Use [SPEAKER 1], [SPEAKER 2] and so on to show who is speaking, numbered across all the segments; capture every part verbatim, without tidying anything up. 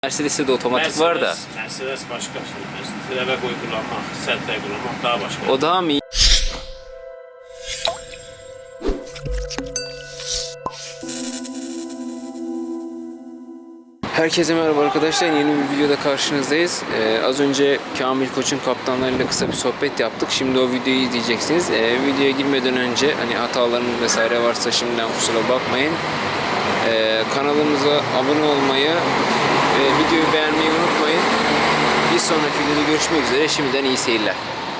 [SPEAKER 1] Mercedes'te de otomatik
[SPEAKER 2] Mercedes,
[SPEAKER 1] var da.
[SPEAKER 2] Mercedes başka şey. Trevek uygulamak, Sentra uygulamak daha başka.
[SPEAKER 1] O daha mı iyi? Herkese merhaba arkadaşlar. Yeni bir videoda karşınızdayız. Ee, az önce Kamil Koç'un kaptanlarıyla kısa bir sohbet yaptık. Şimdi o videoyu izleyeceksiniz. Ee, videoya girmeden önce hani hatalarımız vesaire varsa şimdiden kusura bakmayın. Ee, kanalımıza abone olmayı ve videoyu beğenmeyi unutmayın. Bir sonraki videoda görüşmek üzere. Şimdiden iyi seyirler.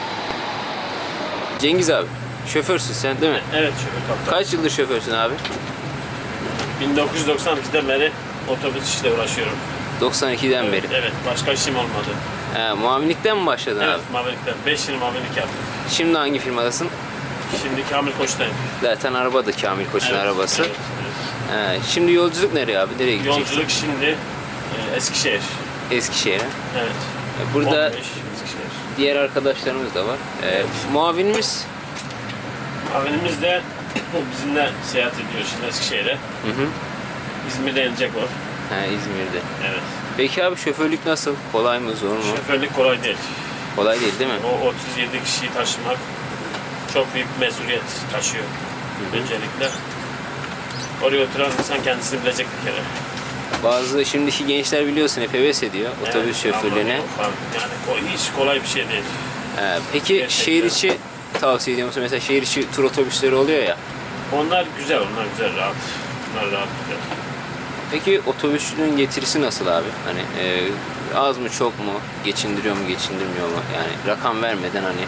[SPEAKER 1] Cengiz abi, şoförsün sen değil mi?
[SPEAKER 2] Evet, şoför kaptan.
[SPEAKER 1] Kaç yıldır şoförsün abi?
[SPEAKER 2] bin dokuz yüz doksan ikiden beri otobüs işle uğraşıyorum.
[SPEAKER 1] doksan ikiden
[SPEAKER 2] Evet,
[SPEAKER 1] beri.
[SPEAKER 2] evet, başka işim olmadı.
[SPEAKER 1] He, muavinlikten mi başladın
[SPEAKER 2] Evet,
[SPEAKER 1] abi?
[SPEAKER 2] mavilikten. beş yıl mavilik yaptım.
[SPEAKER 1] Şimdi hangi firmadasın?
[SPEAKER 2] Şimdi Kamil Koç'tayım.
[SPEAKER 1] Zaten araba da Kamil Koç'un
[SPEAKER 2] Evet,
[SPEAKER 1] arabası.
[SPEAKER 2] Evet, evet.
[SPEAKER 1] He, şimdi yolculuk nereye abi? Nereye gideceksin?
[SPEAKER 2] Yolculuk şimdi e, Eskişehir.
[SPEAKER 1] Eskişehir'e.
[SPEAKER 2] Evet.
[SPEAKER 1] E, Burada
[SPEAKER 2] on beş Eskişehir.
[SPEAKER 1] diğer arkadaşlarımız da var. E, muavinimiz?
[SPEAKER 2] Mavinimiz de bizimle seyahat ediyor şimdi Eskişehir'e.
[SPEAKER 1] Hı hı.
[SPEAKER 2] İzmir'de inecek o.
[SPEAKER 1] He, İzmir'de.
[SPEAKER 2] Evet.
[SPEAKER 1] Peki abi şoförlük nasıl? Kolay mı, zor mu?
[SPEAKER 2] Şoförlük kolay değil.
[SPEAKER 1] Kolay değil değil mi?
[SPEAKER 2] O otuz yedi kişiyi taşımak çok büyük bir mesuliyet taşıyor.
[SPEAKER 1] Hı hı.
[SPEAKER 2] Öncelikle. Oraya oturan insan kendisini bilecek bir kere.
[SPEAKER 1] Bazı şimdiki gençler biliyorsun hep heves ediyor otobüs
[SPEAKER 2] Evet,
[SPEAKER 1] şoförlüğüne.
[SPEAKER 2] ama yok abi, Yani ko- hiç kolay bir şey değil.
[SPEAKER 1] He, peki
[SPEAKER 2] Gerçekten.
[SPEAKER 1] şehir içi tavsiye ediyor musun? Mesela şehir içi tur otobüsleri oluyor ya.
[SPEAKER 2] Onlar güzel, onlar güzel, rahat. Onlar rahat, güzel.
[SPEAKER 1] Peki otobüsçülüğün getirisi nasıl abi? Hani e, az mı çok mu? Geçindiriyor mu geçindirmiyor mu? Yani rakam vermeden hani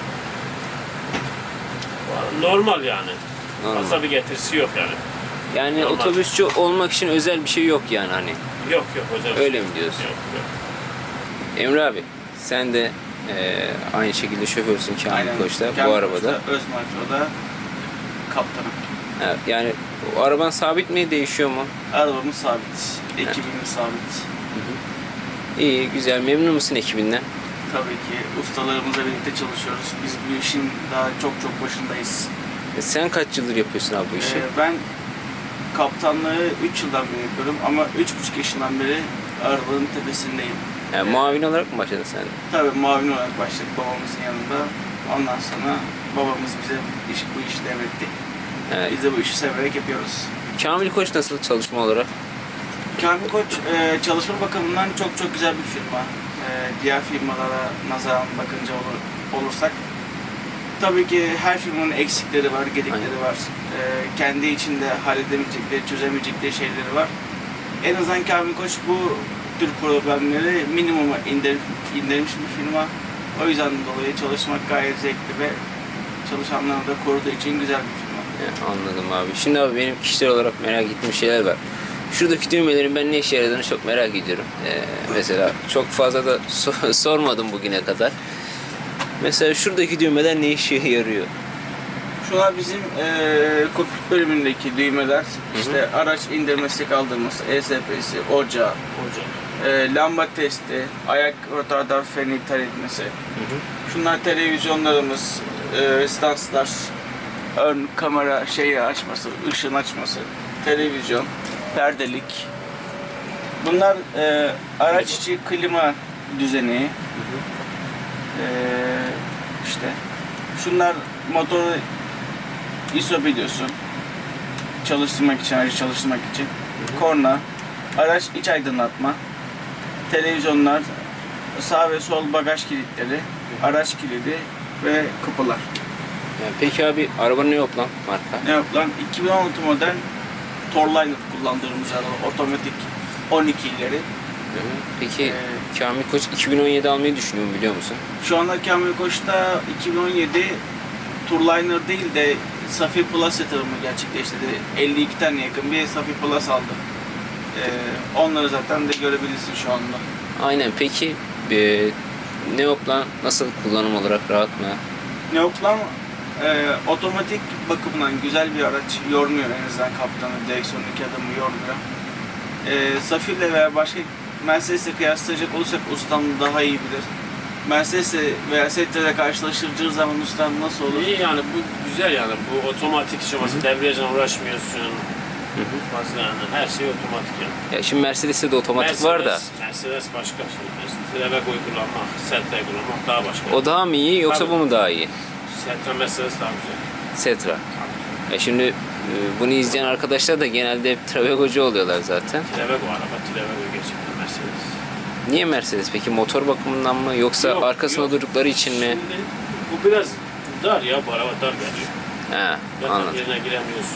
[SPEAKER 2] Normal yani.
[SPEAKER 1] normal.
[SPEAKER 2] Fazla bir getirisi yok yani.
[SPEAKER 1] Yani
[SPEAKER 2] normal.
[SPEAKER 1] otobüsçü olmak için özel bir şey yok yani hani.
[SPEAKER 2] Yok yok hocam.
[SPEAKER 1] Öyle mi diyorsun?
[SPEAKER 2] Yok yok.
[SPEAKER 1] Emre abi sen de e, aynı şekilde şoförsün Kamil
[SPEAKER 3] Aynen.
[SPEAKER 1] Koç'ta bu
[SPEAKER 3] Kamil
[SPEAKER 1] arabada.
[SPEAKER 3] Koç'ta, Özmarfa'da kaptanım.
[SPEAKER 1] Ha, yani o araban sabit mi değişiyor mu?
[SPEAKER 3] Arabamız sabit, ekibimiz sabit.
[SPEAKER 1] İyi güzel, memnun musun ekibinden?
[SPEAKER 3] Tabii ki ustalarımızla birlikte çalışıyoruz. Biz bu işin daha çok çok başındayız.
[SPEAKER 1] E, sen kaç yıldır yapıyorsun abi bu işi?
[SPEAKER 3] Ee, ben kaptanlığı üç yıldan beri yapıyorum ama üç buçuk yaşından beri arabanın tepesindeyim.
[SPEAKER 1] Yani muavin olarak mı başladın sen?
[SPEAKER 3] Tabii muavin olarak başladık babamızın yanında. Ondan sonra babamız bize iş, bu işi devretti.
[SPEAKER 1] Evet.
[SPEAKER 3] Biz de bu işi severek yapıyoruz.
[SPEAKER 1] Kamil Koç nasıl çalışma olarak?
[SPEAKER 3] Kamil Koç e, çalışma bakımından çok çok güzel bir firma. E, diğer firmalara nazaran bakınca olur, olursak tabii ki her firmanın eksikleri var, gedikleri
[SPEAKER 1] Aynen.
[SPEAKER 3] var. E, kendi içinde halledemeyecekleri, çözemeyecekleri şeyleri var. En azından Kamil Koç bu tür problemleri minimuma indir, indirmiş bir firma. O yüzden dolayı çalışmak gayet zevkli ve çalışanlarını da koruduğu için güzel bir firma.
[SPEAKER 1] Evet, anladım abi. Şimdi abi benim kişisel olarak merak ettiğim şeyler var. Şuradaki düğmelerin ben ne işe yaradığını çok merak ediyorum. Ee, mesela çok fazla da so- sormadım bugüne kadar. Mesela şuradaki düğmeler ne işe yarıyor?
[SPEAKER 3] Şunlar bizim eee kokpit bölümündeki düğmeler. İşte araç indirmesi, kaldırması, E S P'si, ocağı,
[SPEAKER 2] Hocam.
[SPEAKER 3] eee, lamba testi, ayak rotardar freni iptal etmesi.
[SPEAKER 1] Hı hı.
[SPEAKER 3] Şunlar televizyonlarımız, eee stanslar, ön kamera şeyi açması, ışın açması, televizyon, perdelik. Bunlar eee, araç içi klima düzeni. Eee işte şunlar motoru I S O biliyorsun. Çalıştırmak için, aracı çalıştırmak için. Korna, araç iç aydınlatma, televizyonlar, sağ ve sol bagaj kilitleri, araç kilidi ve kapılar.
[SPEAKER 1] Yani peki abi arabanın ne yok lan marka?
[SPEAKER 3] Ne yok lan? iki bin on altı model Torliner kullandığımız araba, otomatik on iki ileri.
[SPEAKER 1] Hı hı. Peki
[SPEAKER 3] Ee,
[SPEAKER 1] Kamil Koç iki bin on yedi almayı düşünüyor mu biliyor musun?
[SPEAKER 3] Şu anda Kamil Koç'ta iki bin on yedi Tourliner değil de Safi Plus yatırımı gerçekleştirdi. elli iki tane yakın bir Safi Plus aldı. Ee, onları zaten de görebilirsin şu anda.
[SPEAKER 1] Aynen. Peki e, Neoplan nasıl kullanım olarak rahat mı?
[SPEAKER 3] Neoplan e, otomatik bakımından güzel bir araç, yormuyor en azından kaptanı, direksiyondaki adamı yormuyor. E, Safi ile veya başka Mercedes'le kıyaslayacak olursak ustam daha iyi bilir. Mercedes veya Sentra'yla karşılaştıracağı zaman ustam nasıl olur?
[SPEAKER 2] İyi yani bu güzel yani bu otomatik işlemesi, debriyajla uğraşmıyorsun. Fazla yani her şey otomatik yani.
[SPEAKER 1] Ya şimdi Mercedes'te de otomatik var da.
[SPEAKER 2] Mercedes başka şey. Trevego'yu kullanmak, Sentra'yı kullanmak daha başka.
[SPEAKER 1] O daha mı iyi yoksa
[SPEAKER 2] Tabii.
[SPEAKER 1] bu mu daha iyi?
[SPEAKER 2] Sentra Mercedes daha güzel.
[SPEAKER 1] Setra. Ya şimdi e, bunu izleyen arkadaşlar da genelde hep Travego'cu oluyorlar zaten.
[SPEAKER 2] Trevego araba, Trevego gerçekten Mercedes.
[SPEAKER 1] Niye Mercedes peki? Motor bakımından mı yoksa
[SPEAKER 2] Yok,
[SPEAKER 1] arkasında
[SPEAKER 2] yok.
[SPEAKER 1] durdukları için mi?
[SPEAKER 2] Şimdi bu biraz dar ya, bu araba dar geliyor.
[SPEAKER 1] He,
[SPEAKER 2] Yatak
[SPEAKER 1] anladım.
[SPEAKER 2] yerine giremiyorsun.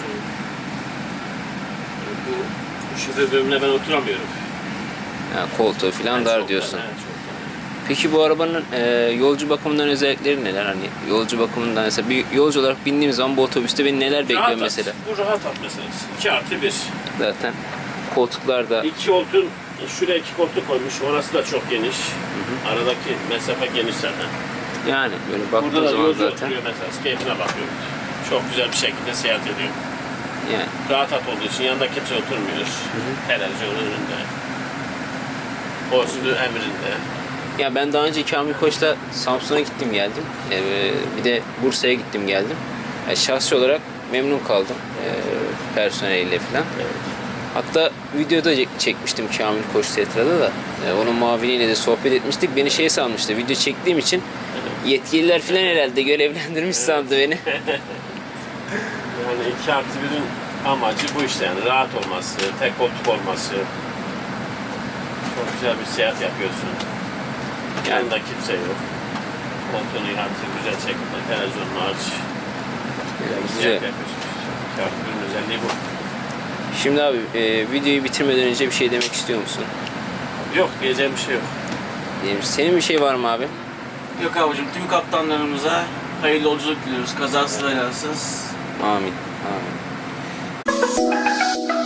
[SPEAKER 2] Bu, bu şoför bölümüne ben oturamıyorum.
[SPEAKER 1] Ha, koltuğu falan
[SPEAKER 2] Yani
[SPEAKER 1] dar
[SPEAKER 2] çok
[SPEAKER 1] diyorsun.
[SPEAKER 2] dar, evet, çok dar.
[SPEAKER 1] Peki bu arabanın e, yolcu bakımından özellikleri neler? Hani yolcu bakımından mesela bir yolcu olarak bindiğim zaman bu otobüste beni neler bekliyor
[SPEAKER 2] Rahat at.
[SPEAKER 1] mesela?
[SPEAKER 2] Bu rahat at meselesi. iki artı bir.
[SPEAKER 1] Zaten koltuklarda
[SPEAKER 2] İki koltuğun, şuraya iki koltuk koymuş. Orası da çok geniş. Aradaki mesafe geniş zaten.
[SPEAKER 1] yani böyle
[SPEAKER 2] Burada
[SPEAKER 1] baktığın
[SPEAKER 2] da
[SPEAKER 1] zaman
[SPEAKER 2] yolcu
[SPEAKER 1] zaten
[SPEAKER 2] oturuyor mesela. Keyfine bakıyor. Çok güzel bir şekilde seyahat ediyor.
[SPEAKER 1] yani
[SPEAKER 2] Rahat at olduğu için yanında kimse oturmuyor. Televizyonun önünde. Postu emrinde.
[SPEAKER 1] ya ben daha önce Kamil Koç'ta Samsun'a gittim geldim. E, bir de Bursa'ya gittim geldim. Yani şahsi olarak memnun kaldım e, personeliyle falan. Hatta videoda çek- çekmiştim Kamil Koç Setra'da da. E, onun muaviniyle de sohbet etmiştik. Beni şey sanmıştı. Video çektiğim için yetkililer falan herhalde görevlendirmiş sandı beni.
[SPEAKER 2] Yani iki artı birin amacı bu işte yani. Rahat olması, tek koltuk olması. Çok güzel bir seyahat yapıyorsun.
[SPEAKER 1] Yani-
[SPEAKER 2] Yanında kimse yok. Koltuğunu artık güzel şekilde televizyonunu aç. Güzel bir
[SPEAKER 1] Güzel.
[SPEAKER 2] seyahat yapıyorsun. iki artı birin özelliği bu.
[SPEAKER 1] Şimdi abi e, videoyu bitirmeden önce bir şey demek istiyor musun?
[SPEAKER 2] Yok, diyeceğim bir şey yok.
[SPEAKER 1] Diyelim, senin bir şey var mı abi?
[SPEAKER 3] Yok abicim, tüm kaptanlarımıza hayırlı yolculuk diliyoruz. Kazasız belasız.
[SPEAKER 1] Amin. Amin.